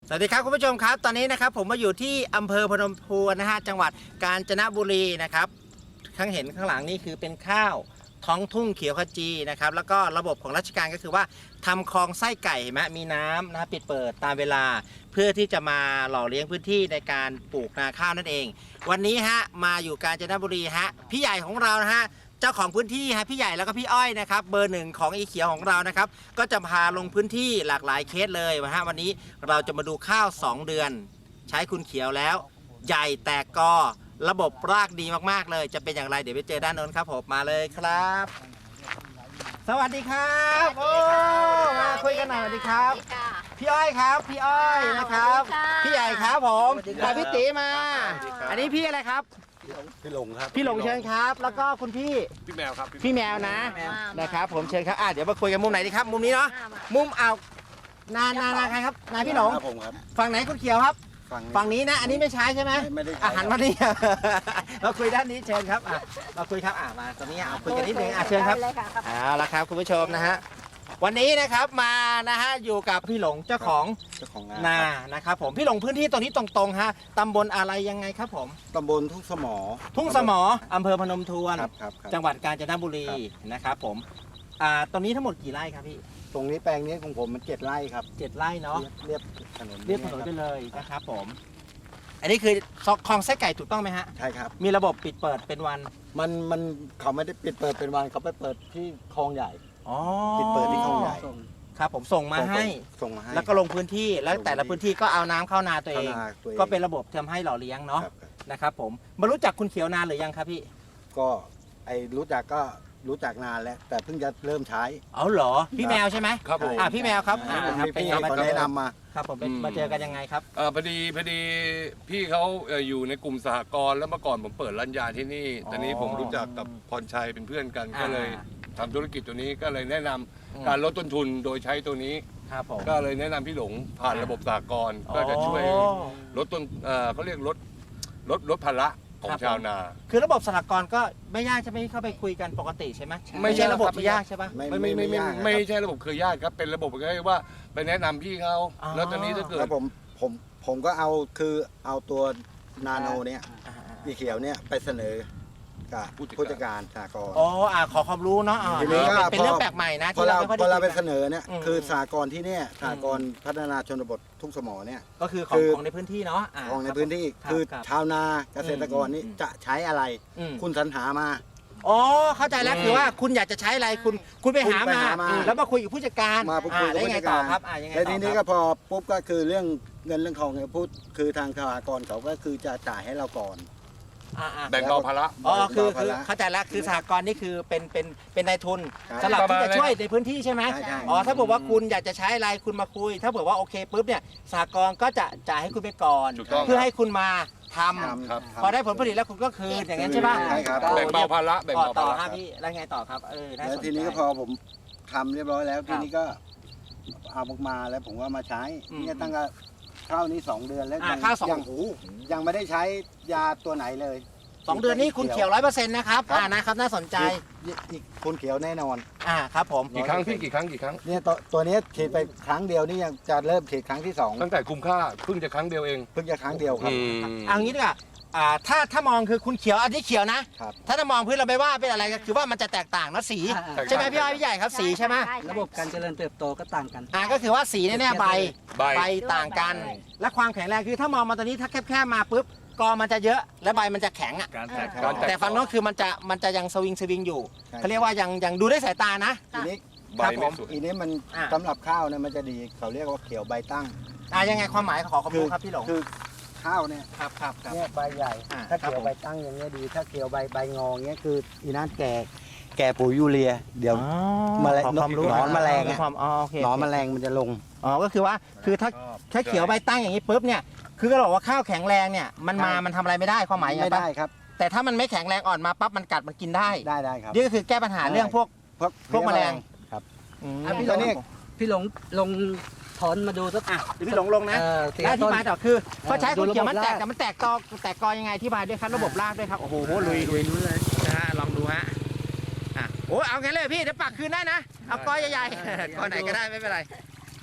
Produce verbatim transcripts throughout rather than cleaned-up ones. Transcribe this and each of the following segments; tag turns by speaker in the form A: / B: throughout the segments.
A: สวัสดีครับคุณผู้ชมครับตอนนี้นะครับผมมาอยู่ที่อำเภอพนมทวนนะฮะจังหวัดกาญจนบุรีนะครับข้างเห็นข้างหลังนี่คือเป็นข้าวท้องทุ่งเขียวขจีนะครับแล้วก็ระบบของราชการก็คือว่าทำคลองไส้ไก่เห็นไหมมีน้ำนะปิดเปิดตามเวลาเพื่อที่จะมาหล่อเลี้ยงพื้นที่ในการปลูกนาข้าวนั่นเอง วันนี้ฮะมาอยู่กาญจนบุรีฮะพี่ใหญ่ของเรานะฮะเจ้าของพื้นที่ฮะพี่ใหญ่แล้วก็พี่อ้อยนะครับเบอร์หนึ่งของอีเขียวของเรานะครับก็จะพาลงพื้นที่หลากหลายเคสเลยนะฮะวันนี้เราจะมาดูข้าวสองเดือนใช้คุณเขียวแล้วใหญ่แตกกอระบบรากดีมากๆเลยจะเป็นอย่างไรเดี๋ยวไปเจอด้านโน้นครับผมมาเลยครับ สวัสดีครับโอ้มาคุยกันหน่อยสวัสดีครับพี่อ้อยครับพี่อ้อยนะครับพี่ใหญ่ครับผมกับพี่ตีมาอันนี้พี่อะไรครับ
B: พี่หลงครับ
A: พี่หลงเชิญครับแล้วก็คุณพี่
B: พี่แมวครับ
A: พี่แมวนะนะครับผมเชิญครับอ่ะเดี๋ยวมาคุยกันมุมไหนดีครับมุมนี้เนาะมุมเอานานานาใครครับนาพี่หลง
B: ผมครับ
A: ฝั่งไหนคุณเขียวครับฝั่งนี้นะอันนี้ไม่ใช้ใช่ไหม
B: ไม่ได้
A: อาหารมานี่เราคุยด้านนี้เชิญครับอ่ะเราคุยครับอ่ะมาตรงนี้เอาคุยกันนิดนึงอ่ะเชิญครับเอาละครับคุณผู้ชมนะฮะวันนี้นะครับมานะฮะอยู่กับพี่หลงเจ้าของ
B: เจ้าของ
A: นานะครับผมพี่หลงพื้นที่ตรงนี้ตรงๆฮะตำบลอะไรยังไงครับผม
B: ตำบลทุ่งสมอ
A: ทุ่งสมออำเภอพนมทวน
B: ครับครับ
A: จังหวัดกาญจนบุรีนะครับผมอ่าตรงนี้ทั้งหมดกี่ไร่ครับพี่
B: ตรงนี้แปลงนี้ของผมมันเจ็ดไร่ครับ
A: เจ็ดไร่เนาะ
B: เรียบถนน
A: เรียบถนนไปเลยนะครับผมอันนี้คือคลองไส้ไก่ถูกต้องไหมฮะ
B: ใช่ครับ
A: มีระบบปิดเปิดเป็นวัน
B: มันมันเขาไม่ได้ปิดเปิดเป็นวันเขาไปเปิดที่คลองใหญ่
A: อ๋อ
B: ปิดเปิดที่คลองใหญ่
A: ครับผมส่งมาให้
B: ส่งมาให้
A: แล้วก็ลงพื้นที่แล้วแต่ละพื้นที่ก็เอาน้ำเข้านาตัวเองก็เป็นระบบทำให้หล่อเลี้ยงเนาะนะครับผมมารู้จักคุณเขียวนานหรือยังครับพี่
B: ก็ไอรู้จักก็รู้จักนานแล้วแต่เพิ่งจะเริ่มใช้
A: เอาเหรอพี่แมวใช่ไหม
B: ครับ
A: อ่าพี่แมวครับอ่า
B: เป็นยังไงมาแนะนำมา
A: ครับผมเป็นมาเจอกันยังไงครับ
C: อ่าพอดีพอดีพี่เขาอยู่ในกลุ่มสหกรณ์แล้วเมื่อก่อนผมเปิดร้านยาที่นี่ตอนนี้ผมรู้จักกับพรชัยเป็นเพื่อนกันก็เลยทำธุรกิจตัวนี้ก็เลยแนะนำการลดต้นทุนโดยใช้ตัวนี้ก็เลยแนะนำพี่หลงผ่านระบบสหกรณ์ก็จะช่วยลดต้นเขาเรียกลดลดลดภาระของชาวนา
A: คือระบบสหกรณ์ก็ไม่ยากใช่ไหมเข้าไปคุยกันปกติใช่ไหมไม่ใช่ระบบที่ยากใช่ปะ
C: ไม่ไม่ไม่ไม่ไม่ใช่ระบบเคยยากครับเป็นระบบก็คือว่าไปแนะนำพี่เขาแล้วตอนนี้ถ้าเกิด
B: ผมผมผมก็เอาคือเอาตัวนาโนเนี่ยอีเขียวเนี่ยไปเสนอกับผู้จัดการสหกรณ์
A: อ๋ออ่าขอความรู้เนาะทีนี้ก็เป็นเรื่องแปลกใหม่นะ
B: ที่เราพอเราไปเสนอเนี่ยคือสหกรณ์ที่เนี่ยสหกรณ์พัฒนาชนบททุ่งสมอเนี่ย
A: ก็คือของของในพื้นที่เนาะ
B: ของในพื้นที่คือชาวนาเกษตรกรนี่จะใช้อะไรคุณสรรหามา
A: อ๋อเข้าใจแล้วคือว่าคุณอยากจะใช้อะไรคุณคุณไปหามาแล้วมาคุยกับผู้จัดการ
B: มาพูดคุยกับผู้จัดการ
A: ครับ
B: แล้วทีนี้ก็พอปุ๊บก็คือเรื่องเงินเรื่องทองเนี่ยพูดคือทางสหกรณ์เขาก็คือจะจ่ายให้เราก่อน
C: แบ่งเบาภาระ
A: อ๋อคือคือเข้าใจแล้วคือสหกรณ์นี่คือเป็นเป็นเป็นนายทุนสำหรับที่จะช่วยในพื้นที่ใช่ไหมอ๋อถ้าบอกว่าคุณอยากจะใช้อะไรคุณมาคุยถ้าบอกว่าโอเคปุ๊บเนี่ยสหกรณ์ก็จะจ่ายให้คุณไปก่อนเพื่อให้คุณมาทำพอได้ผลผลิตแล้วคุณก็คืนอย่างนั้นใช่ป่ะ
C: แบ่งเบาภาระแบ่งเบาภาระ
A: พี่แล้วไงต่อครับเออ
B: แล้วทีนี้ก็พอผมทำเรียบร้อยแล้วทีนี้ก็เอาออกมาแล้วผมก็มาใช้เนี่ยตั้งแต่ข้าวนี้สองเดือนแล้ว
A: ข้าวสอง
B: หูยังไม่ได้ใช้ยาตัวไหนเลย
A: สองเดือนนี้คุณเขียวร้อยเปอร์เซ็นต์นะครับอ่านะครับน่าสนใจ
B: คุณเขียวแน่นอน
A: อ่าครับผม
C: กี่ครั้งพี่กี่ครั้งกี่ครั้ง
B: เนี่ยตัวตัวนี้ฉีดไปครั้งเดียวนี่ยังจะเริ่มฉีดครั้งที่สอง
C: ตั้งแต่คุ้มค่าเพิ่งจะครั้งเดียวเอง
B: เพิ่งจะครั้งเดียวครับ
A: เอางี้ดีกว่าอ่าถ้าถ้ามองคือคุณเขียวอันนี้เขียวนะถ้าถ้ามองพื้นเราไม่ว่าเป็นอะไรก็คือว่ามันจะแตกต่างนะสีใช่ไหมพี่อ้อยพี่ใหญ่ครับสีใช่ไหม
D: ระบบการเจริญเติบโตก็ต่างกัน
A: อ่าก็คือว่าสีเนี่ยใบใบต่างกันและความแข็งแรงคือถ้ามองมาตอนนี้ถ้าแคบๆมาปุ๊บกอมันจะเยอะและใบมันจะแข็งอ่ะแต่ฝั่งโน้นคือมันจะมันจะยังสวิงสวิงอยู่เขาเรียกว่ายังยังดูได้สายตานะ
B: ทีนี้ครับผมอีนี้มันสำหรับข้าวเนี่ยมันจะดีเขาเรียกว่าเขียวใบตั้ง
A: อ่ายังไงความหมายขอความรู้ครับพี่หลง
B: คือข้าวเนี่ย
A: ครับครับ
B: เนี่ยใบใหญ่ถ้าเขียวใบตั้งอย่างเงี้ยดีถ้าเขียวใบใบงอเงี้ยคืออีนั้นแก่แก่ปุ๋ยยูเรียเดี๋ยวมาแล้วนอนแมลงนอนแมลงมันจะลง
A: อ๋อก็คือว่าคือถ้าถ้าเขียวใบตั้งอย่างนี้ปุ๊บเนี่ยคือก็บอกว่าข้าวแข็งแรงเนี่ยมันมามันทำอะไรไม่ได้ความหมายยังไง
B: ไม่ได้ครับ
A: แต่ถ้ามันไม่แข็งแรงอ่อนมาปั๊บมันกัดมันกินได้
B: ได้ได้ครับ
A: นี่ก็คือแก้ปัญหาเรื่องพวกพวกแมลง
B: ครับ
D: พี่หลงพี่หลงลงถอนมาดูสัก
A: อ่ะพี่หลงลงนะอธิบายต่อคือพอใช้คุณเขียวมันแตกแต่มันแตกตอแตกกอยังไงอธิบายด้วยครับระบบรากด้วยครับโอ้โหลุยลุยเลยนะฮะลองดูฮะอ่ะโอ้เอาไงเลยพี่เดี๋ยวปักคืนได้นะเอากอใหญ่ๆกอไหนก็ได้ไม่เป็นไร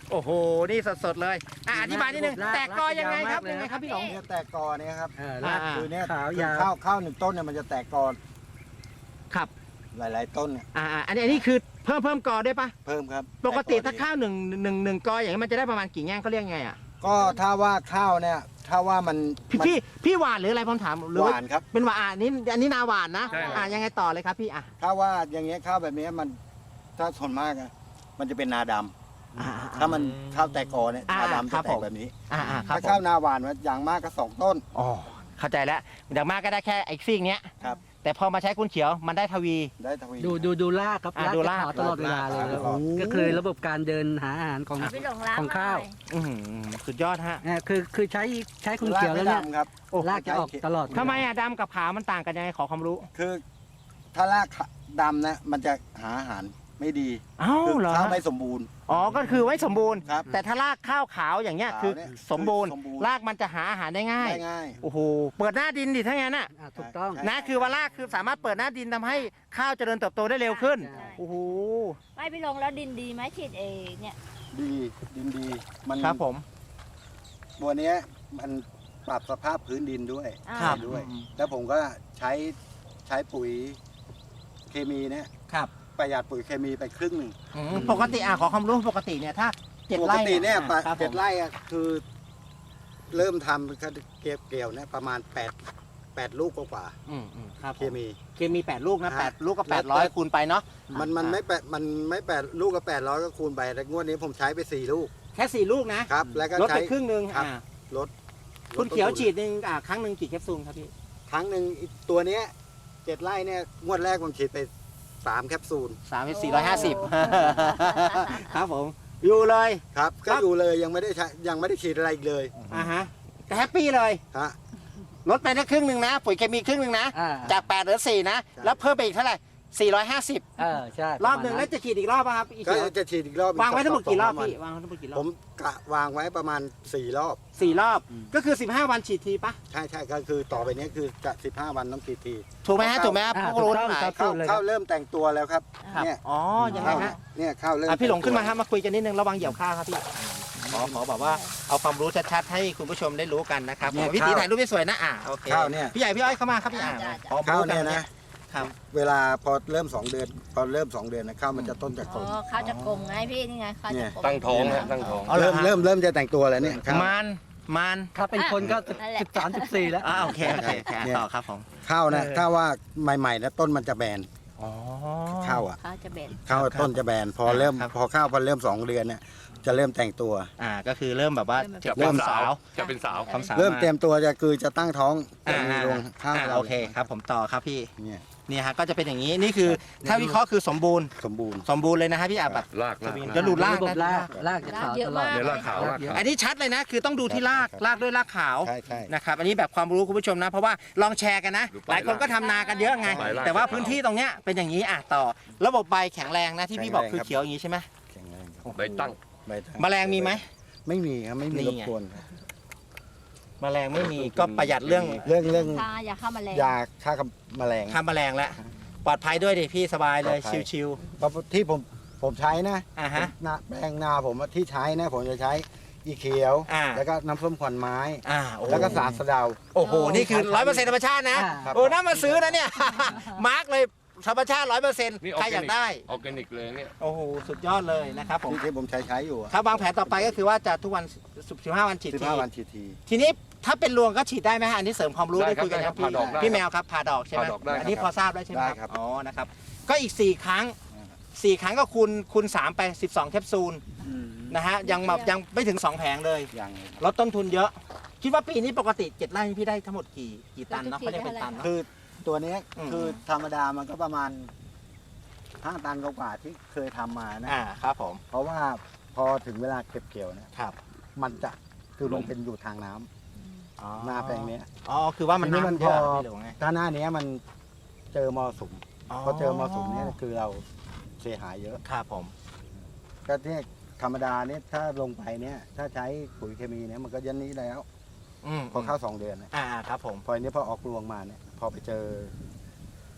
A: โอ้โหนี่สดๆเลยอ่ะอธิบายนิดนึงแตกกอยังไงครับยังไงครับพี่หลง
B: เนี่ยแตกกอเนี่ยครับ
D: เออราก
A: อ่า
B: คือเนี่ย
D: ขาว
B: คือย
D: าว
B: ข้าวข้าวหนึ่งต้นเนี่ยมันจะแตกกอ
A: ครับ
B: หลาย ๆ ต้นเนี่ย
A: อ่าอันนี้อันนี้คือเพิ่มเพิ่มกอได้ปะ
B: เพิ่มครับ
A: ปกติถ้า
B: แกอ
A: ข้าวหนึ่งหนึ่งหนึ่งกออย่างนี้มันจะได้ประมาณกี่แง่งเขาเรียกไงอ่ะ
B: ก็ถ้าว่าข้าวเนี่ยถ้าว่ามัน
A: พี่
B: มัน
A: พี่พี่หวานหรืออะไรผมถามหรือ
B: ห
A: ว่
B: วานครับ
A: เป็นหวานอ่ะอันนี้อันนี้นาหวานนะ
C: ใช่ครับ
A: อ่ะยังไงต่อเลยครับพี่อ่ะ
B: ถ้าว่าอย่างเงี้ยข้าวแบบเนี้ยมันถ้าส่วนมากอะมันจะเป็นนาดำ
A: อ่า
B: ถ้ามันข้าวแตกกอเนี่ย
A: อ่า
B: นาดำ
A: ครั
B: จะ
A: บ
B: แต
A: ผ
B: ก
A: ม
B: แบบนี้
A: อ่าอ่าครับ
B: ถ้า
A: ผ
B: ข้าว
A: ม
B: นาหวานมันอย่างมากก็สองต้น
A: อ๋อเข้าใจแล้วอย่างมากก็ได้แค่ไอ้ซีกเนี้ย
B: ครับ
A: แต่พอมาใช้คุณเขียวมันได้ทวี
B: ได้ทวี
D: ดูดูดูรากครับ
A: อ่ะ
D: ราก
A: ดู
D: จะ
A: ราก
D: ขาวตลอดเวลาเลย
B: ราก
D: แล้ว
B: ขาว
D: ก็คือระบบการเดินหาอาหารของ
E: พี่หลงล้าง
D: ของข้าว
E: หน่อย
A: อื้อหือสุดยอดฮะ
D: อ่าคือคือใช้ใช้คุณเขียว
B: ราก
D: แล้ว
B: ไม่
D: เนี่ย
B: ดำครับ
D: รากจะออกตลอด
A: ทำไมอ่ะดำกับขาวมันต่างกันยังไงขอความรู้
B: คือถ้ารากดำนะมันจะหาอาหารไม่ดี
A: เอ้า
B: คือ
A: เหรอ
B: ข้าวไม่สมบูรณ์
A: อ๋อก็คือไว้สมบูรณ์
B: ครับ
A: แต่ถ้ารากข้าวขาวอย่างเงี้ย
B: ขาว
A: คือ
B: เนี่ย
A: สมบูรณ์
B: คือสมบูรณ์
A: รากมันจะหาอาหารได้ง่าย
B: ได้ง่าย
A: โอ้โหเปิดหน้าดินดิถ้างั้นน่ะ
D: อ่าถูกต้อง
B: ใช่
A: นะคือว่ารากคือสามารถเปิดหน้าดินทำให้ข้าวเจริญเติบโตได้เร็วขึ้น
D: ใช่
A: โอ้โห
E: ไม่พี่หลงแล้วดินดีไหมฉีดเอเนี่ย
B: ดีดินดี มัน
A: ครับผม
B: ตัวเนี้ยมันปรับสภาพพื้นดินด้วย
E: อ่า
A: ครับ
B: ด้วย แล้วผมก็ใช้ใช้ปุ๋ยเคมีเนี่ย
A: ครับ
B: ประหยัดปุ๋ยเคมีไปครึ่งหนึ่ง
A: อืมปกติอ่ะขอความรู้ปกติเนี่ยถ้าเจ็ด
B: ป
A: ไร่
B: กติเนี่ย
A: อ่ะครับผ
B: เจ็ด
A: ม
B: ไร่อะคือ เริ่มทำก็เกี่ยวเกี่ยวเนี่ยประมาณแปดแปดลูกกว่า
A: อืมอืมครับ
B: ๆ
A: ผ
B: เค
A: ม
B: มี
A: เคมีแปดลูกนะ
B: ฮะ
A: แปดลูกก็
B: แล้
A: แป
B: ว
A: ดร้อยคูณไปเนาะ
B: มันมันไม่แปดมันไม่แปดลูกกับแปดร้อยก็คูณไปแต่งวดนี้ผมใช้ไปสี่ลูก
A: แค่สี่ลูกนะครับ
B: แล้วก็
A: ลด
B: ใช้
A: ไปครึ่งหนึ่ง
B: ครับ
A: อ่า
B: ลด
A: คุณเขียว
B: ลดต้นทุน
A: ฉีดหนึ่งอ่าครั้งหนึ่งกี่แคปซูลครับพี่
B: ครั้งหนึ่งอีกตัวเนี้ยเจ็ดไร่เนี่ยงวดแรกผมฉีดไปสามแคปซูล
A: สามเป็นสี่ร้อยห้าสิบครับผมอยู่เลย
B: ครับ
A: ครั
B: ก็
A: บ
B: อยู่เลยยังไม่ได้ใช้ยังไม่ได้ฉีดอะไรอีกเลย
A: อ่าฮะแต่แฮปปี้เลย
B: ฮะ
A: ลดไปได้ครึ่งหนึ่งนะปุ๋ยเคมีครึ่งหนึ่งนะ
D: อ่า
A: จากแปดเหลือสี่นะ
B: ใช่
A: แล้วเพิ่มไปอีกเท่าไหร่สี่ร้อยห้าสิบ
D: เออใช่
A: รอบหนึ่งแล้วจะฉีดอีกรอบป่ะครับอีก
B: ก็
A: เขียว
B: จะฉีดอีกรอบ
A: วางไว้ทั้งหมดกี่รอบ
B: สง
A: พี่
B: วัน
A: วางไว้ทั้งหมดกี่ร
B: ผ
A: อบ
B: มกะวางไว้ประมาณสี่รอบ
A: สี่รอบ ก็คือสิบห้าวันฉีดทีปะ
B: ใช่ใช่ก็คือต่อไปเนี้ยคือจะสิบห้าวันต้องฉีดที
A: ถูกไหมฮะถูกไหมครับ
D: อ่า
A: ผู้
D: ถู
A: รู้
D: กต้
A: ทั้
D: อง
A: งหลาย
D: ครับ
B: ข้าว
D: พูดเลยค
B: ข้า
D: รั
B: ว
D: บ
B: เริ่มแต่งตัวแล้วครับ
A: ครับ
B: เนี่ย
A: อ๋อยังไง
B: ข้าว
A: ฮะ
B: เนี่ยข้าวเริ่ม
A: อ่ะพี่หลงขึ้นมา
B: แต่
A: ครับ มาคุยกันนิดนึงระวังเหยียบข้าวครับพี่ขอขอแบบว่าเอาความรู้ชัดๆให้คุณผู้ชมได้รู้กันนะครับ
B: เนี่ย
A: พี่ตี
B: ข้าว
A: ถ่ายรูปให้สวยนะอ่ะโอเค
B: ข้าวเนี่ย
A: พี่ใหญ่พี่อ้อยเข้ามาครับพี่อ่ะขอ
B: ข้าว
A: รู้กั
B: เนี่ย
A: น
B: นะ
A: ครับ
B: เวลาพอเริ่มสองเดือนพอเริ่มสองเดือนนะข้าวมันจะต้นจะก
E: อ๋
B: ล
E: อ
B: ม
E: ข้าวจะกลมไงพี่นี่ไงข้าวจะกลม
C: ตั้งท้องฮะตั้งท้อง
A: เอาเหรอ
B: เริ่ม
A: ฮะ
B: เริ่มเริ่มจะแต่งตัวแล้วเนี่ยข้าว
A: มันมัน
D: ถ้าเป็นคนก็สิบสามสิบสี่แล้ว
A: อ่าโอเคโอเคโอเคอ่ะ
B: เนี่ย
A: ต่อครับผม
B: ข้าวนะ
A: เออ
B: ถ้าว่าใหม่ๆนะต้นมันจะแบน
A: อ๋อ
B: ข้าวอ่ะ
E: ข้าวจะเบ็ด
B: ข้าว
A: ครับ
B: ต้นจะแบนพอเริ่ม
A: ครับ
B: พอข้าวพอเริ่มสองเดือนเนี่ยจะเริ่มแต่งตัว
A: อ่าก็คือเริ่มแบบว่า
C: จะ
A: เริ่
C: เป็น
A: ม
C: สา
A: สาว ว
C: จะเป็นสาว
A: ความสาว
B: เริ่ม
A: า
B: เตรียมตัวจะคือจะตั้งท้องจะ
A: อ่า
B: มีรวงข้าว
A: อ่า
B: เรา
A: โอเคครับผมต่อครับพี่
B: เนี่ย
A: เนี่ยฮะก็จะเป็นอย่างนี้นี่คือถ้าวิเคราะห์คือสมบูรณ์
B: สมบูรณ์
A: สมบูรณ์เลยนะฮะพี่อาแบบ
C: ลากลาก
A: จะดูราก
D: ระบบ
A: นะ
D: รากรากจะ
E: ราก
D: ขาว
E: เยอะ
D: ตลอ
E: มา
D: ด
E: ก
C: เดี๋ยวลากขาวลากขาว
A: อันนี้ชัดเลยนะ คือต้องดูที่รากรากด้วยรากขาว
B: ใช่ใช่
A: นะครับอันนี้แบบความรู้คุณผู้ชมนะ เพราะว่าลองแชร์กันนะ
C: ดูไป
A: หลายคนก็ทำนากันเยอะไง
C: ไปราก
A: แต่ว่า
C: ขาว
A: พื้นที่ตรงเนี้ยเป็นอย่างนี้อ่ะต่อระบบใบแข็งแรงนะที่พี่บอกคือเขียวอย่างนี้ใช่ไหม
B: แข็งแรงครับ
C: ใบตั้ง
B: ใบทั้ง
A: แมลงมีไหม
B: ไม่มีครับไม่มี
A: นี่
B: รบ
A: ไง
B: กวนครับ
A: แมลงไม่มีก็ประหยัดเรื่อง
B: เรื่องเรื่อง
E: ทาอย่าเข้ามาแรง
B: ยาฆ่ากับแมลง
A: ฆ่าแมลงแล้วปลอดภัยด้วยดิพี่สบายเลย
B: ปลอดภัย
A: ชิว
B: เพราะที่ผมผมใช้นะ
A: ๆอ่าฮะ
B: นาแปลงนาผมอะที่ใช้นะผมจะใช้อีเขียว
A: อ่า
B: แล้วก็น้ำส้มขวัญไม้
A: อ่าโอ้
B: แล้วก็สารสะเดา
A: โอ้โหนี่คือร้อยเปอร์เซ็นต์ธรรมชาตินะ
D: อ่า
B: ครับ
A: โอ้น่ามาซื้อนะเนี่ย มาร์กเลยธรรมชาติร้อยเปอร์เซ็นต์
C: นี่
A: ใครอยากได้
C: ออร์แกนิกเลยเนี่ย
A: โอ้โหสุดยอดเลยนะครับผม
B: ที่ที่ผมใช้ใช้อยู่
A: ครับวางแผนต่อไปก็คือว่าจะทุกวันสิบห้าวันฉีด
B: สิบ
A: ที
B: ห้าวันฉีดที
A: ทีนี้ถ้าเป็นรวงก็ฉีดได้ไหมฮะอันนี้เสริมความรู้
C: ได้
A: ได้
C: ครับ
A: คุยกัน
C: ได้
A: ค
C: ครั
A: รับบ พี่
C: ผ่าดอกได้
A: พี่แมวครับผ่าดอกใช่ไหม
C: ผ่าดอกได้ครับ
A: อันนี้พอทราบได้ใช่ไหม
B: ได้
A: ค
B: ครั
A: รับบ อ๋อนะครับก็อีกสี่ครั้งสี่ครั้งก็คูณคูณสามไปสิบสองแคปซูลนะฮะยังแบบยังไม่ถึงสองแผงเลย
B: อย่าง
A: ลดต้นทุนเยอะ คิดว่าปีนี้ปกติเจ็ดไร่พี่ได้ทั้งหมดกี่กี่ตันเนาะเขาเรียกเป็นตันเนาะ
B: คือตัวเนี้ย
A: อืม
B: คือธรรมดามันก็ประมาณห้าตันกว่าๆที่เคยทำมานะ
A: อ่าครับผม
B: เพราะว่าพอถึงเวลาเก็บเกี่ยวเนี่ย
A: ครับ
B: มันจะคือมันเป็นอยู่ทางน้ำ
A: อ๋อ
B: หน้าแปลงเนี้ย
A: อ๋อคือว่ามัน
B: ทีนี้มัน
A: น้ำเยอะ
B: พอ
A: พี่หรือว่าไง
B: ถ้าหน้าเนี้ยมันเจอมรสุมพอเจอมรสุมเนี่ยคือเราเสียหายเยอะ
A: ครับผม
B: ก็เนี่ยธรรมดาเนี่ยถ้าลงไปเนี่ยถ้าใช้ปุ๋ยเคมีเนี่ยมันก็ยันนี้แล้ว
A: อืม
B: พอเข้าสองเดือนเนี่ย
A: อ่าครับผม
B: พออันนี้พอออกรวงมาเนี่ยพอไปเจอ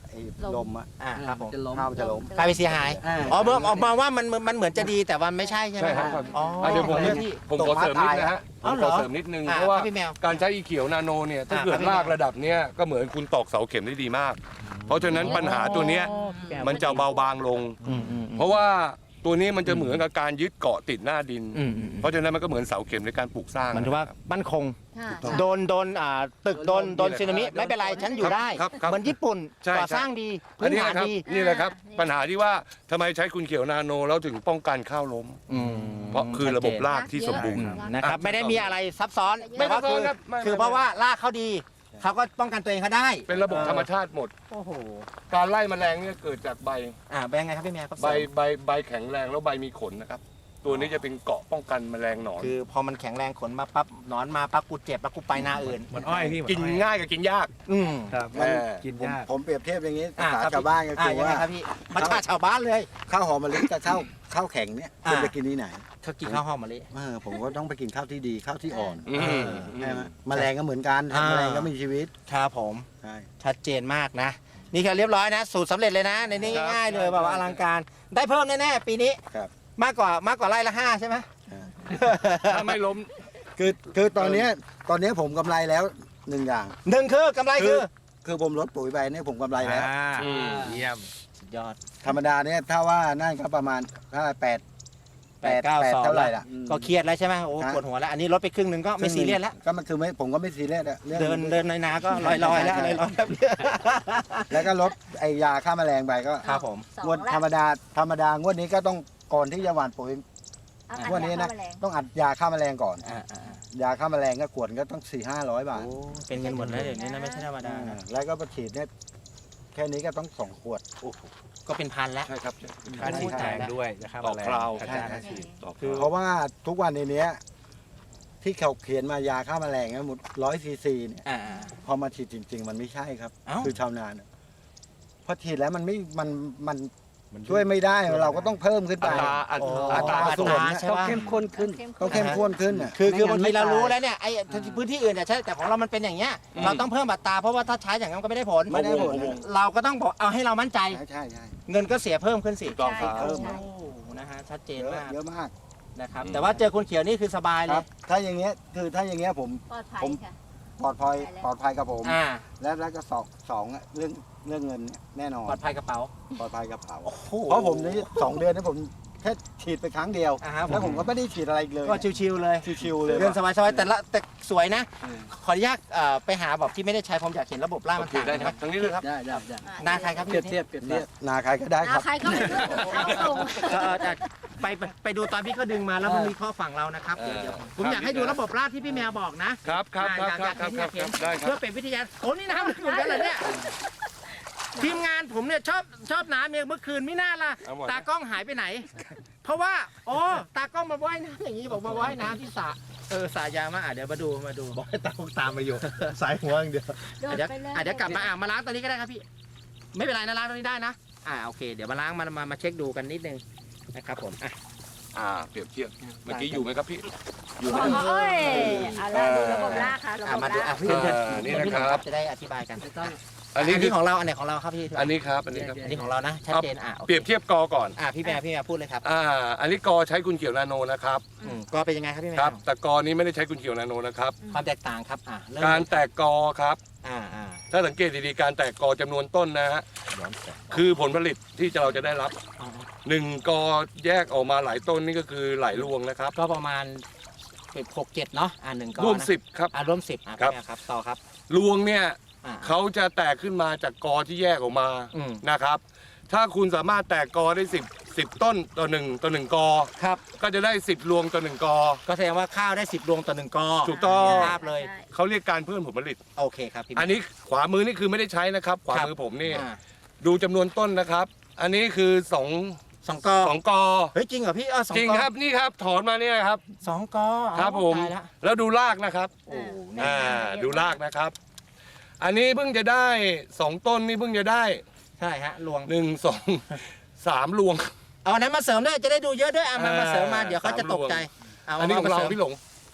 B: ไอ้ลมอะ
A: อ่าครับผม
D: จะล้ม
B: ข้าวมันจะล้ม
A: กลายเป็นเสียหาย
B: อ่า
A: อ๋อเมื่อออกมาว่ามันมันเหมือนจะดีแต่ว่าไม่ใช่ใช่ไหม
C: ใช่ครับ
A: อ๋อ
C: อ่ะเดี๋ยวผม
A: เรื่องที่
C: ผมขอเสริมนิดนะฮะผ
A: อ๋อ
C: ม
A: เหร
C: ข
A: อ
C: อเสริมนิดนึง
A: อ่า
C: เพราะว่า
A: ครับพี่แมว
C: การใช้อีเขียวนาโนเนี่ยถ้า
A: อ่า
C: เกิ
A: ครั
C: ด
A: บพี่
C: ราก
A: แมว
C: ระดับเนี้ยก็เหมือนคุณตอกเสาเข็มได้ดีมาก เพราะฉะนั้นปัญหาตัวเนี้ยมันจะเบาบางลง
A: อืมอืม
C: เพราะว่าตัวนี้มันจะเหมือนกับการยึดเกาะติดหน้าดิน
A: อืมอืม
C: เพราะฉะนั้นมันก็เหมือนเสาเข็มในการปลูกสร้าง
A: มันถือว่ามั่นคง
E: ค่ะ
A: โดนโดนอ่าตึกโดนโดนสึนามิไม่เป็นไรฉันอยู่ได้
C: ครับครับ
A: เหมือนญี่ปุ่น
C: ใช่
A: ก่อ
C: ใช่
A: สร้างดี
C: อัน
A: พื้น
C: นี้
A: ฐาน
C: นะครับ
A: ดี
C: นี่แหละครับ
E: อ่า
C: ปัญหาที่ว่าทำไมใช้คุณเขียวนาโนแล้วถึงป้องกันข้าวล้ม
A: อืม
C: เพราะคือระบบรากที่สมบูรณ์
A: นะครับ ไม่ได้มีอะไรซับซ้อน
C: ไม่
A: แต่ว่า
C: ซับซ้
A: คือ
C: อนครับไม่
A: คือ
C: ไม่
A: เพราะว่ารากเขาดีเขาก็ป้องกันตัวเองเขาได้
C: เป็นระบบธรรมชาติหมด
A: โอ้โห
C: การไล่แมลงเนี่ยเกิดจากใบ
A: อ่าเป็นยังไงครับพี่แมวครับ
C: ใบใบใบแข็งแรงแล้วใบมีขนนะครับ ตัวนี้จะเป็นเกราะป้องกันแมลงหนอน
A: คือพอมันแข็งแรงขนมาปั๊บหนอนมาปั๊บกูเจ็บแล้วกูไปหน้าอื่น
F: มันอ้อยพี่
C: กินง่ายกับกินยาก
A: อืม
F: ครับ
C: เออ
F: กิน
B: ผม
F: ยาก
B: ผมเปรียบเทียบอย่างนี้
A: อ่า
B: ภาษา
A: ครับ
B: ชาวบ้านก็
A: อ่า
B: คือ
A: ยังไง
B: ว่า
A: ครับพี่มาชาชาวบ้านเลย
B: ข้าวหอมมะลิกับข้าวข้าวแข็งเนี่ย
A: อ่า
B: คุณไปกินที่ไหน
A: เขากินข้าวหอมมะลิ
B: เออผมก็ต้องไปกินข้าวที่ดีข้าวที่อ่อน
C: อืม
B: ใช่ไหมแมลงก็เหมือนกัน
A: อ่า
B: แมลงก็มีชีวิต
A: ครับผม
B: ใช่
A: ชัดเจนมากนะ นี่คือเรียบร้อยนะ สูตรสำเร็จเลยนะ ในนี้ง่ายๆเลยแบบว่าอลังการ ได้เพิ่มแน่ๆปีนี้
B: ครับ
A: มากกว่ามากกว่าไร่ละห้าใช่ไหม
C: ถ้าไม่ล้ม
B: คือคือตอนเนี้ยตอนเนี้ยผมกำไรแล้วหนึ่งอย่าง
A: หนึ่งคือกำไรคือ
B: คือผมลดปุ๋ยไปเนี่ยผมกำไรแล้ว
F: อ่า
C: อืม
F: เยี่ยม
A: สุดยอด
B: ธรรมดาเนี่ยถ้าว่านั่นก็ประมาณถ้าแปด
A: แปดเก้าสอง
B: เท่าไหร่ล่ะ
A: ก็เครียดแล้วใช่ไหมโอ้
B: ฮะ
A: ปวดหัวแล้ว อันนี้ลดไปครึ่งหนึ่งก็ไม่ซีเรียสแล้ว
B: ก็มันคือไม่ผมก็ไม่ซีเรียสอะรื่อง
A: เดินเดินในนาก็ลอยลอยๆแล้วลอยลอยๆแล้ว
B: แล้วก็ลดไอยาฆ่าแมลงไปก็
A: ครับผม
E: สอง
B: งวด
E: ละ
B: ธรรมดาธรรมดางวดนี้ก็ต้องก่อนที่จะหว่านปุ๋ย
E: เอา
B: งวดนี้นะ
E: เข้ามาแรง
B: ต้องอัดยาฆ่าแมลงก่อน
A: อ่าอ่าอ่าย
B: าฆ่าแมลงก็ขวดก็ต้องสี่ห้าร้อยบาท
A: โอ้เป็นเงินหมดแล้วเดี๋ยวนี้นะไม่ใช่ธรรมดานะ
B: แล้วก็ประฉีดเนี่ยแค่นี้ก็ต้องสองขวด
A: โอ้โหก็เป็นพันแล้ว
C: ใช่ครับ
F: ค่าฉีดแพงด้วยนะครับ
C: ต่อคราว
F: ค่า
B: ใช่
F: ค่าฉีด
C: ต่อ
A: คือ
B: เพราะว่าทุกวันในเนี้ยที่เขาเขียนมายาฆ่าแมลงนะหมดร้อยซีซีเนี่ย
A: อ่าอ่า
B: พอมาฉีดจริง ๆ มันไม่ใช่ครับ
A: เอ้า
B: คือชาวนาเนี่ยพอฉีดแล้วมันไม่มันมัน
F: มัน
B: ช่วยไม่ได้เราก็ต้องเพิ่มขึ้นไป
C: อัตราอัต
A: โอ้
C: ราอัตรา
A: อัต
C: ส่ว
A: ราน ใช่
D: ต้อง
A: ปะ
D: เข้มข้นขึ้น
B: ต้องเข้มข้นขึ้นน่ะ
A: คือคือ
D: ไม่งั้
A: บาง
D: น
A: ทีเรา
D: ไม่ตาย
A: รู้แล้วเนี่ยไอ้พื้นที่อื่นเนี่ยใช่แต่ของเรามันเป็นอย่างเงี้ยเราต้องเพิ่มอัตราเพราะว่าถ้าใช้อย่างนั้นก็ไม่ได้ผล
B: ไม่ได้ผล
A: เราก็ต้องบอกเอาให้เรามั่นใจ
B: ใช่ใช่ใช่
A: เงินก็เสียเพิ่มขึ้นสิ
C: ถูกต้องครับ
E: ใช่ใช่
A: โอ้นะฮะชัดเจน
B: เยอะ
A: มาก
B: เยอะมาก
A: นะครับแต่ว่าเจอคนเขียวนี่คือสบาย
B: ค
A: เล
B: รั
A: ย
B: บ ถ้าอย่างเงี้ยคือถ้าอย่างเงี้ยผม
E: ปลอดภัย
B: ผม
E: ค่ะ
B: ปลอดภัยปลอดภัยกับผม
A: อ่า
B: แล้วแล้วก็สองสองอะเรื่องเรื่องเงินเนี่ยแน่นอน
A: ปลอดภัยกระเป๋า
B: ปลอดภัยกระเป๋า
A: โอ้โห
B: เพราะผมนี่สองเดือนนี่ผมแค่ฉีดไปครั้งเดียว
A: อ่าฮะ
B: แล้วผมก็ไม่ได้ฉีดอะไรอีกเลย
A: ก็ชิวๆเลย
B: ชิวๆเลย
A: เรื่องสบายๆแต่ละแต่สวยนะ
B: อืม
A: ขออนุญาตเอ่อไปหาแบบที่ไม่ได้ใช้ผมอยากเห็นระบบล่างมันต่าง
C: ได้
A: กัน
C: ครับ
A: ไหม
C: ทั้งนี้เลยครับ
D: ได้ได้ได้
A: หน้าใครครับ
D: เปรียบเทียบเปรียบเทียบ
B: นาใครก็ได้ค
E: อ่า
B: รับ
E: ใครก็ไม่รู้เอาส่ง
A: เออแต่ไปไปไปดูตอนพี่เขาดึงมาแล้วมันมีข้อฝั่งเรานะครับ
C: เออ
A: เดี๋ยวผมอยากให้ดูระบบล่างที่พี่แมวบอกนะครับ
C: ครับครับ
A: อยาก
C: ครับ
A: อยาก
C: ครับ
A: เห็น
C: ค
A: อ
C: รั
A: ยา
C: บ
A: กเห็น
C: ได้ครั
A: เพื่อบ เป็นวิทยาโอ้นี่น้ำเหมือนกันเหรอเนี่ยทีมงานผมเนี่ยชอบชอบน้ำเนี่ยเมื่อคืนไม่น่าล่ะ
C: เอาหมด
A: ตากล้องหายไปไหน เพราะว่าโอ้ตากล้องมาว่ายน้ำอย่างนี้บอกมาว่ายน้ำที่สระเออสระยามาอ่ะเดี๋ยวมาดูมาดู
F: บอกให้ตามตามมาอยู่ สายหัวอย่างเดียว
E: โดด
A: อ่ะเดี๋ยว
E: ไปเลย
A: อ่ะเดี๋ยวกลับมาอ่ะมาล้างตอนนี้ก็ได้ครับพี่ ไม่เป็นไรนะล้างตอนนี้ได้นะอ่าโอเค เดี๋ยวมาล้างมามามาเช็คดูกันนิดนึงนะครับผมอ่ะ
C: อ่าเปรียบเทียบเมื่อกี้อยู่ไหมครับพี่อยู่ไหม
E: โอ้ยเอาละดูระบบลากค่ะระ
A: อ่ะ
E: บบ
A: มาดู
E: ลาก
A: อ่ะพี่เชิญ
C: อ่านี่
A: พี่
C: นะครับ
A: จะได้อธิบายกัน
D: ไม่ต้อง
C: อั
A: อั
C: น
A: น
C: นี้
A: นี้
C: คือ
A: ของเราอันไหนของเราครับพี่
C: อันนี้ครับอันนี้ครับ
A: อันนี้ของเรานะชัดเจนอ่ะโอ
C: เปรียบเทียบกอก่อน
A: อ่ะพี่แม่พี่แม่พูดเลยครับ
C: อ่าอันนี้กอใช้คุณเขียวนาโนนะครับ
A: อืมก็เป็นยังไงครับพี่แม่
C: ครับ แต่กอนี้ไม่ได้ใช้คุณเขียวนาโนนะครับ
A: ความแตกต่างครับอ่ะเริ่ม
C: การแตกกอครับ
A: อ่าอ่า
C: ถ้าสังเกตดีๆการแตกกอจำนวนต้นนะฮะ
A: ย้อนแสง
C: คือผลผลิตที่เราจะได้รับ
A: อ๋อ
C: หนึ่งกอแยกออกมาหลายต้นนี่ก็คือหลายรวงนะครับ
A: ก็ประมาณหกเจ็ดเนาะอ่าหนึ่งก้อน
C: รวม
A: นะ
C: สิบครับ
A: อ่าร่วมสิบอ่ะ
C: ครั
A: พี่
C: บ
A: แม่ครับต่อครับ
C: รวงเนี่ย
A: อ่า
C: เขาจะแตกขึ้นมาจากกอที่แยกออกมา
A: อืม
C: นะครับ ถ้าคุณสามารถแตกกอได้สิบสิบต้นต่อหนึ่งต่อหนึ่งกอ
A: ครับ
C: ก็จะได้สิบรวงต่อหนึ่งกอ
A: ก็แสดงว่าข้าวได้สิบรวงต่อหนึ่งกอ
C: ถูกต้อง
A: ภาพเลย
E: ใช่
C: เขาเรียกการเพิ่มผลผลิต
A: โอเคครับพี่
C: อันนี้ขวามือนี่คือไม่ได้ใช้นะครับ ขวา
A: ครับ
C: มือผมนี่
A: อ่า
C: ดูจำนวนต้นนะครับ อันนี้คือสอง
A: สองกอ
C: สองกอ
A: เฮ้ยจริงเหรอพี่เออสอง
C: จริง
A: กอ
C: ครับนี่ครับถอนมาเนี่ยครับ
A: สองกอ
C: ครับผม
A: ตายละ
C: แล้วดูรากนะครับ
A: โอ้เนี่ย
C: อ่าดูรากนะครับ อันนี้เพิ่งจะได้สองต้นนี่เพิ่งจะได้
A: ใช่ฮะรวง
C: หนึ่งสองสามรวง
A: เอาอันนั้นมาเสริมด้วยจะได้ดูเยอะด้วยอ่ะมา
C: อ่า
A: มาเสริมมาเดี๋ยวเขาจะตกใจ
C: อันนี้ของเราพี่หลง
A: ม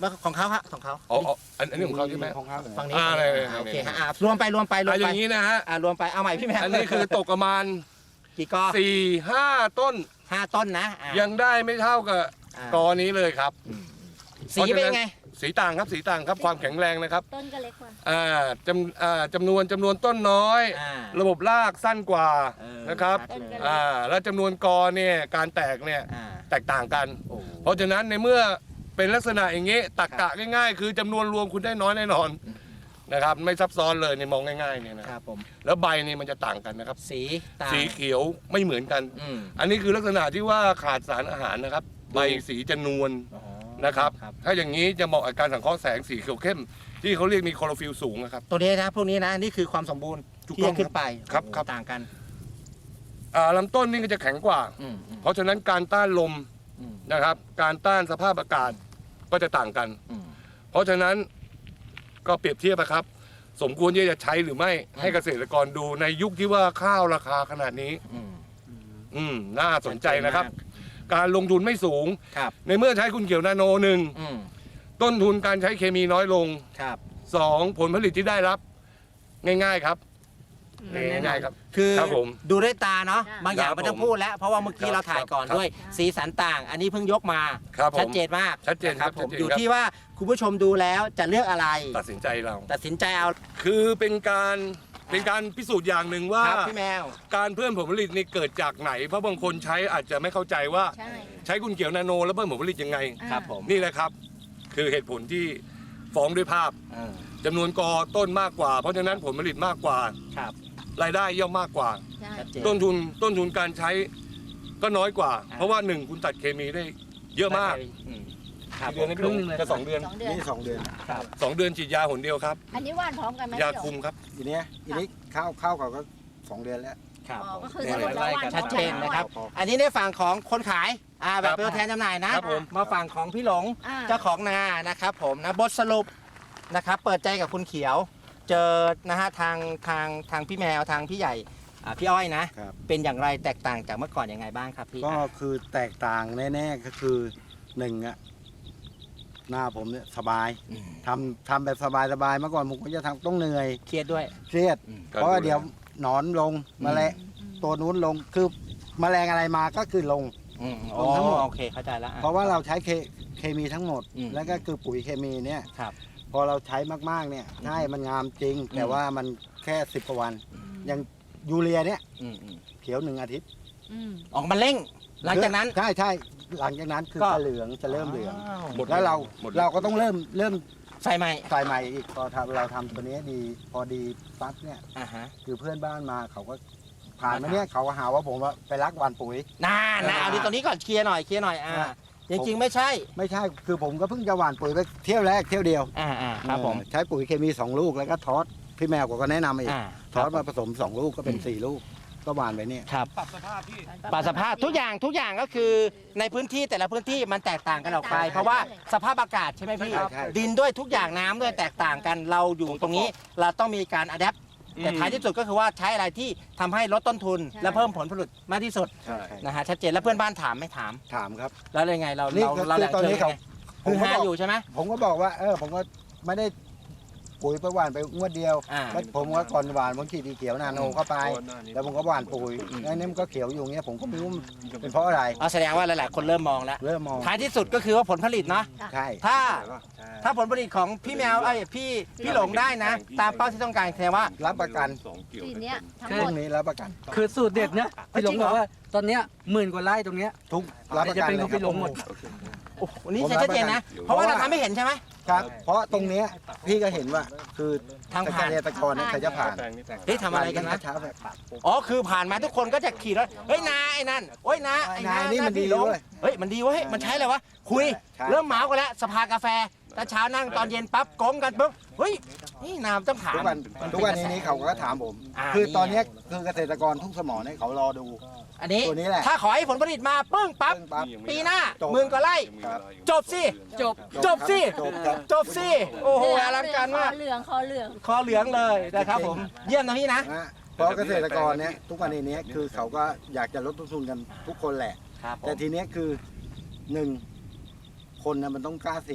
A: ว่าของเขาฮะของเขา
C: อ๋ออ๋ออันอันนี้ของเขาใช่ไหม
B: ของเขา
A: ฝั่งนี้
C: อ่า
A: ฝั่งนี้
C: เลย
A: อ่าโอเค
C: เลย
A: ฮะอ่ารวมไปรวมไปรว
C: อ่ะ
A: ม
C: อ
A: ไป
C: ย่างนี้นะฮะ
A: อ่ารวมไปเอาใหม่พี่แม่
C: อันนี้คือตกประมาณ
A: กี่กอ
C: สี่ห้าต้น
A: ห้าต้นนะอ่า
C: ยังได้ไม่เท่ากับ
A: อ่าก
C: อนี้เลยครับ
A: สีเป็นไง
C: สีต่างครับสีต่างครับความแข็งแรงนะครับ
E: ต้นก็เล็กกว่า
C: อ่าจำอ่าจำนวนจำนวนต้นน้อย
A: อ่า
C: ระบบรากสั้นกว่า
A: เออ
C: นะครับ
A: ชัดเลย
C: อ่าแล้วจำนวนกอเนี่ยการแตกเนี่ย
A: อ่า
C: แตกต่างกัน
A: โอ้
C: เพราะฉะนั้นในเมื่อเป็นลักษณะอย่างนี้ตักกะง่ายๆ คือจำนวนรวมคุณได้น้อยแน่นอนนะครับไม่ซับซ้อนเลยในมองง่ายๆเนี่ยนะครับ
A: ผม
C: แล้วใบนี่มันจะต่างกันนะครับ
A: สีต่าง
C: สีเขียวไม่เหมือนกัน
A: อืม
C: อันนี้คือลักษณะที่ว่าขาดสารอาหารนะครับ ใบสีจะนวล
A: อ๋อ
C: นะครับ
A: ครับ
C: ถ้าอย่างนี้จะเหมาะกับการสังเคราะห์แสงสีเขียวเข้ม ที่เขาเรียกมีคลอโรฟิลล์สูงนะครับ
A: ตัวนี้นะพวกนี้นะนี่คือความสมบูรณ์
C: ถูก
A: ที่
C: ต้อง
A: จะขึ้นไป
C: ครับ
A: โอ้โห
C: ครับ
A: ต่างกัน
C: อ่าลำต้นนี่ก็จะแข็งกว่า
A: อืมอืม
C: เพราะฉะนั้นการต้านลม
A: อืม
C: นะครับ การต้านสภาพอากาศก็จะต่างกัน
A: อืม
C: เพราะฉะนั้นก็เปรียบเทียบนะครับ สมควรที่จะใช้หรือไม่
A: อืม
C: ให้เกษตรกรดูในยุคที่ว่าข้าวราคาขนาดนี้
A: อืม
C: อืมน่าสนใจนะครับ
A: ชัดเจนม
C: การลงทุนไม่สูง
A: ครับ
C: ในเมื่อใช้คุณเขียวนาโนหนึ่ง
A: อืม
C: ต้นทุนการใช้เคมีน้อยลง
A: ครับ
C: สองผลผลิตที่ได้รับ ง่ายๆครับง่ายๆครับ
A: คือ
C: ครับผม
A: ดูด้วยตาเนาะ
E: ครับ
A: บางอย่าง
C: ครับ
A: ไม่ต้องพูดแล้ว เพราะว่าเมื่อกี้
C: ครับ
A: เราถ่ายก่อน
C: ครับ
A: ด้วย สีสันต่าง อันนี้เพิ่งยกมา
C: ครับผม
A: ชัดเจนมาก
C: ชัดเจนครับ
A: ผม
C: ชัดเจน
A: อยู่
C: ครับ
A: ที่ว่าคุณผู้ชมดูแล้วจะเลือกอะไร
C: ตัดสินใจเรา
A: ตัดสินใจเอา
C: คือเป็นการเป็นการพิสูจน์อย่างหนึ่งว่า
A: ครับพี่แมว
C: การเพิ่มผลผลิตนี่เกิดจากไหน เพราะบางคนใช้อาจจะไม่เข้าใจว่า
E: ใช่
C: ใช้คุณเขียวนาโนแล้วเพิ่มผลผลิตยังไง
A: ครับผม
C: นี่แหละครับ คือเหตุผลที่ฟ้องด้วยภาพ
A: เออ
C: จำนวนกอต้นมากกว่า เพราะฉะนั้นผลผลิตมากกว่า
A: ครับ
C: รายได้ย่อมมากกว่า
E: ใช่
A: ชัดเจน
C: ต้นทุนต้นทุนการใช้ก็น้อยกว่า
A: อ่า
C: เพราะว่าหนึ่งคุณตัดเคมีได้เยอะมาก
A: อืมครับ
C: กี่เดือนนะพี่หลงจะสองเดือน
E: สองเดือน
B: นี่สองเดือน
A: ครับ
C: สองเดือนฉีดยาหนเดียวครับ
E: อันนี้หว่านพร้อมกันไหม
C: ยาคุมครับ
B: ทีเนี้ยทีนี้ข้าวข้าวเขาก็สองเดือนแล้ว
A: ครับ
E: อ๋อ
A: ผม
E: ก็คือสรุปแล้วหว่านพร้อมกั
A: ชัดเจนนะครับ
B: พอ
A: อันนี้ในฝั่งของคนขายอ่าแบบ
C: ครับ
A: เป็นตัวแทนจำหน่ายนะครับ
C: ผม
A: มาฝั่งของพี่หลง
E: อ่า
A: เจ้าของนานะครับผมนะบทสรุปนะครับเปิดใจกับคุณเขียว เจอนะฮะทางทางทางพี่แมวทางพี่ใหญ่อ่าพี่อ้อยนะ
B: ครับ
A: เป็นอย่างไรแตกต่างจากเมื่อก่อนยังไงบ้างครับพี่
B: ก็คือแตกต่างแน่ๆก็คือหนึ่งอะหน้าผมเนี่ยสบาย
A: อืม
B: ทำทำแบบสบายๆเมื่อก่อนผมก็จะทำต้องเหนื่อย
A: เครียดด้วย
B: เครียด
A: อืม
B: เพราะว่าเดี๋ยวหนอนลง
A: อืม
B: แมลงตัวนู้นลงคือแมลงอะไรมาก็คือลง
A: อืม
B: ล
A: อ๋อง
B: ทั้งหมด
A: โอเคเข้าใจแล้วอ่
B: เพราะว่าเราใช้เคเคมีทั้งหมด
A: อืม
B: แล้วก็คือปุ๋ยเคมีเนี่ย
A: ครับ
B: พอเราใช้มากๆเนี่ยใช่มันงามจริง แต่ว่ามันแค่สิบกว่าวัน อย่างยูเรียเนี่ย
A: อืมอืม
B: เขียวหนึ่งอาทิตย์
E: อืม
A: ออกมาเร่ง หลังจากนั้น
B: ใช่ใช่หลังจากนั้นคือ
A: ก็
B: จะเหลืองจะเริ่มเหลือง
A: าว
C: หมด
B: แล้วเรา
C: หมด
B: เราก็ต้องเริ่มเริ่ม
A: ใส่ใหม่
B: ใส่ใหม่อีกพอทำเราทำตัวนี้ดีพอดีปั๊บเนี่ย
A: อ่าฮะ
B: คือเพื่อนบ้านมาเขาก็ผ่านมาเนี่ยเขาก็หาว่าผมว่าไปรักหวานปุ๋ย
A: น่านะ
B: อ่า
A: เอาดีตรงนี้ก่อนเคลียร์หน่อยเคลียร์หน่อยอ่า
B: อ่า
A: จริงๆไม่ใช่
B: ไม่ใช่คือผมก็เพิ่งจะหวานปุ๋ยไปเที่ยวแรกเที่ยวเดียว
A: อ่าอ่าครับผม
B: เออใช้ปุ๋ยเคมีสองลูกแล้วก็ทอสพี่แมวก็แนะนำอีก
A: อ่า
B: ทอสมาผสมสองลูกก็เป็นสี่ลูกก็หวานไปเนี่ย
A: ครับ
C: ปรับสภาพพี่
A: ปรับสภาพทุกอย่างทุกอย่างก็คือในพื้นที่แต่ละพื้นที่มันแตกต่างกันออกไป เพราะว่าสภาพอากาศใช่ไหมพี่
B: ใช่ใช่
A: ดินด้วยทุกอย่างน้ำด้วยแตกต่างกันเราอยู่ตรงนี้เราต้องมีการอัดแอปแต่ท้ายที่สุดก็คือว่าใช้อะไรที่ทำให้ลดต้นทุน
E: ใช่
A: และเพิ่มผลผลิตมากที่สุด
B: ใช่
A: นะฮะชัดเจนแล้วเพื่อนบ้านถามไม่ถาม
B: ถามครับ
A: แล้วยังไงเรา
B: นี่
A: เรา
B: คือ
A: เราแหล่ง
B: ตอน
A: เชิญ
B: นี้เขา
A: ไง
B: ผม
A: คือ
B: ก็
A: ฮา
B: บอก
A: อยู่ใช่ไหม
B: ผมก็บอกว่าเออผมก็ไม่ได้ปุ๋ยไปหวานไปงวดเดียว
A: อ่า
B: แล้วผมก็ก่อนหวานผมฉีดดีเขียวนาโนเข้าไป แล้วผมก็หวานปุ๋ย
A: อืม
B: แล้วนี่มันก็เขียวอยู่อย่างเงี้ยผมก็ไม่รู้มันเป็นเพราะอะไร
A: เอาแสดงว่าหลายๆคนเริ่มมองแล้ว
B: เริ่มมอง
A: ท้ายที่สุดก็คือว่าผลผลิตเนาะ
B: ใช่
A: ถ้า
B: ใช่
A: ถ้าผลผลิตของพี่แมวไอ้ยพี่พี่หลงได้นะ ตามเป้าที่ต้องการแสดงว่า
B: รับประกัน
E: สีเนี้ยทั้ง
B: พ
E: หม
B: รุ่
E: ด
B: งนี้รับประกัน
D: คือสูตรเด็ดเนี่ยพี่หลงบอกว่าตอนเนี้ยหมื่นกว่าไร่ตรงเนี้ย
B: ทุกรับประกัน
D: จะเป็น
B: เลย
D: ของพี่หลงหมด
A: โอ้โหนี่ชัดเจนนะ เพราะว่าเราทำไม่เห็นใช่ไหม
B: ครับ เพราะตรงเนี้ยพี่ก็เห็นว่าคือ
A: ทาง
B: เก
A: ผ่าน
B: ษตรกรเนี่ยเขาจะผ่าน
A: เฮ้ยทำอะไรกันนะ
B: เช้าแบบ
A: อ๋อคือผ่านมาทุกคนก็จะขี่รถเฮ้ยนาไอ้นั่นโอ้ยนาไอ้นา
B: นานี่มันดี
A: พี่หลง
B: เว้ย
A: เฮ้ยมันดีเว้ยมันใช้อะไรวะคุย
B: ใช่
A: เริ่มเมากันแล้วสภากาแฟตอนเช้านั่งตอนเย็นปั๊บก้มกันปุ๊บเฮ้ยนี่นามต้องถาม
B: ทุกวัน
A: มั
B: ทุกวันนี้นี้เขาก็ถามผม
A: อ่า
B: คือตอน
A: นี่
B: เนี้ยคือเกษตรกรทุกสมอเนี่ยเขารอดู
A: อันนี้
B: ตัวนี้แหละ
A: ถ้าขอให้ผลผลิตมาปึ้งปั๊บ
B: ซึ่งปั๊บ
A: ปีหน้า
B: จบ
A: หมื่นกว่าไร่
B: ครับ
A: จบสิ
D: จบ
A: จบสิ
B: จบครับ
A: จบสิโอ้โหอลังการมาก
E: คอเหลืองคอเหลือง
A: คอเหลืองเลยนะครับผมเยี่ยมนะพี่นะ
B: นะเพราะเกษตรกรเนี่ยทุกวันนี้คือเขาก็อยากจะลดต้นทุนกันทุกคนแหละ
A: ครับ
B: แต่ทีเนี้ยคือหนึ่งคนนะมันต้องกล้าเสี่ยง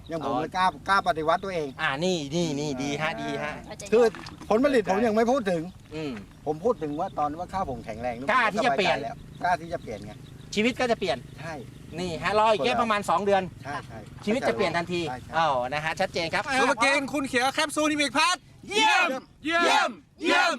B: ยังผม
A: อ๋อ
B: เลยกล้ากล้าปฏิวัติตัวเอง
A: อ่านี่นี่นี่ดีฮะดีฮะ
B: คือผลผลิตผมยังไม่พูดถึง
A: อืม
B: ผมพูดถึงว่าตอนว่าข้าวผมแข็งแรง
A: กล้าที่จะเปลี่ยน
B: สบาใจแล้วกล้าที่จะเปลี่ยนไง
A: ชีวิตก็จะเปลี่ยน
B: ใช่
A: นี่ฮะรออีกแค่ประมาณ 2 เดือน
B: ใช่ใช่
A: ชีวิตจะเปลี่ยนทันที
B: ใช่ใช่
A: อ้าวนะฮะชัดเจนครับ
F: ซูเปอร์เกนคุณเขียวแคปซูลนิมิกพัท
C: เยี่ยม เยี่ยม เยี่ยม